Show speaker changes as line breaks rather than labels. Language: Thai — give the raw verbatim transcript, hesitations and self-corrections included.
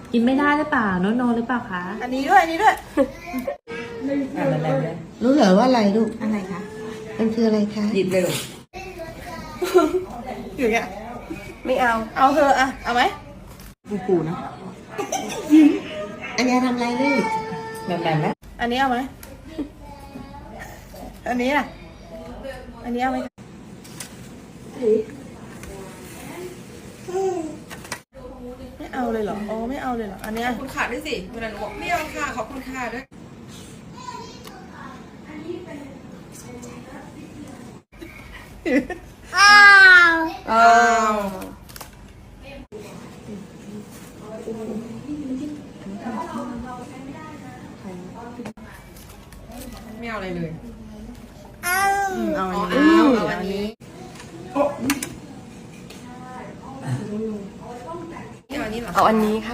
กินไม่ได้หรือเปล่าโนโนหรือเปล่าคะ
อันนี้ด้วยอันนี้ด้วย
รู้เหรอว่าอะไรลูก
อะไรคะ
มันคืออะไรคะ
หยิบเลยลูก
อยู่เนี่ยไม่เอาเอาเธอะอะเอาไหมปูๆนะ
อันนี้ทำอะไรลูก
แบบแบบนะ
อันนี้เอาไหมอันนี้อ่ะอันนี้เอาไหมไม่เอาเลยเหรออ๋อไม่เอาเลยเหรออันเนี้ย
ขอบคุณค่ะด้วยสิเวลาหนูบอกไม่เอาค่ะขอบคุณค่ะด้วย
อ้าวอ้าว
ไม่เอาอะไรเลย
อืมเอา
อ๋อ
อัน
เอา
นี้
เอาอันนี้เอาอันนี้เหรอ
เอาอันนี้ค่ะ